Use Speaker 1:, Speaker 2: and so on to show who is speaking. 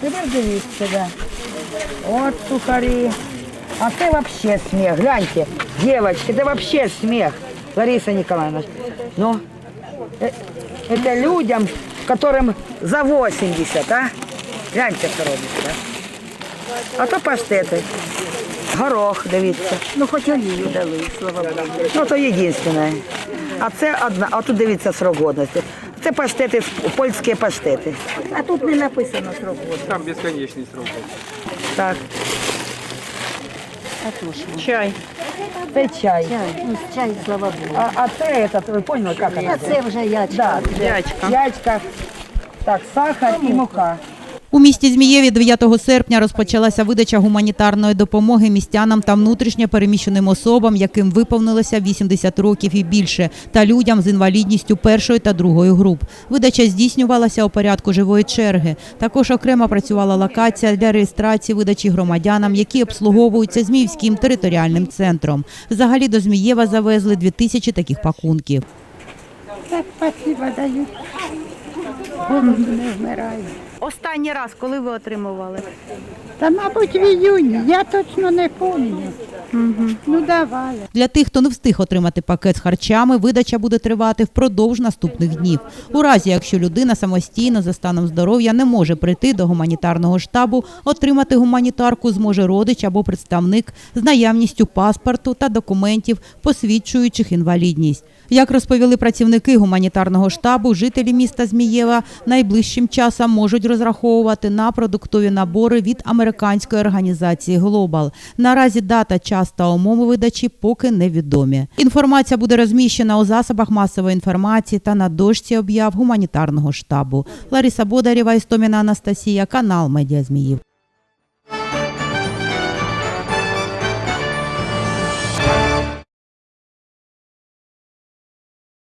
Speaker 1: тепер дивіться, да. От сухарі. А це вообще сміх, гляньте, девочки, це вообще сміх, Лариса Николаевна. Ну, это людям, которым за 80, а? Гляньте, що робиться. А то паштети. Горох, дивіться.
Speaker 2: Ну, хоч олію дали, слава Богу.
Speaker 1: Ну, то єдине. А це одна, а тут дивіться срок годності. Це паштети, польські паштети.
Speaker 2: А тут не написано срок году.
Speaker 3: Там бесконечный срок.
Speaker 1: Так,
Speaker 2: А то що?
Speaker 1: чай. Це чай.
Speaker 2: Чай, ну, чай, слава Богу.
Speaker 1: А це, ви поняли, як
Speaker 2: А
Speaker 1: вона?
Speaker 2: це вже ячка.
Speaker 1: Да, ячка. Так, сахар і мука.
Speaker 4: У місті Змієві 9 серпня розпочалася видача гуманітарної допомоги містянам та внутрішньо переміщеним особам, яким виповнилося 80 років і більше, та людям з інвалідністю першої та другої груп. Видача здійснювалася у порядку живої черги. Також окремо працювала локація для реєстрації видачі громадянам, які обслуговуються Зміївським територіальним центром. Взагалі до Змієва завезли 2000 таких пакунків.
Speaker 2: Так, спасибо дають. Голод не вмирає.
Speaker 4: Останній раз, коли ви отримували?
Speaker 2: Та, мабуть, в іюні, я точно не пам'ятаю. Ну, давай.
Speaker 4: Для тих, хто не встиг отримати пакет з харчами, видача буде тривати впродовж наступних днів. У разі, якщо людина самостійно за станом здоров'я не може прийти до гуманітарного штабу, отримати гуманітарку зможе родич або представник з наявністю паспорту та документів, посвідчуючих інвалідність. Як розповіли працівники гуманітарного штабу, жителі міста Змієва найближчим часом можуть розраховувати на продуктові набори від американської організації «Глобал». Наразі дата, час та умови видачі поки невідомі. Інформація буде розміщена у засобах масової інформації та на дошці об'яв гуманітарного штабу. Лариса Бодарєва, Істоміна Анастасія, канал «Медіа Зміїв».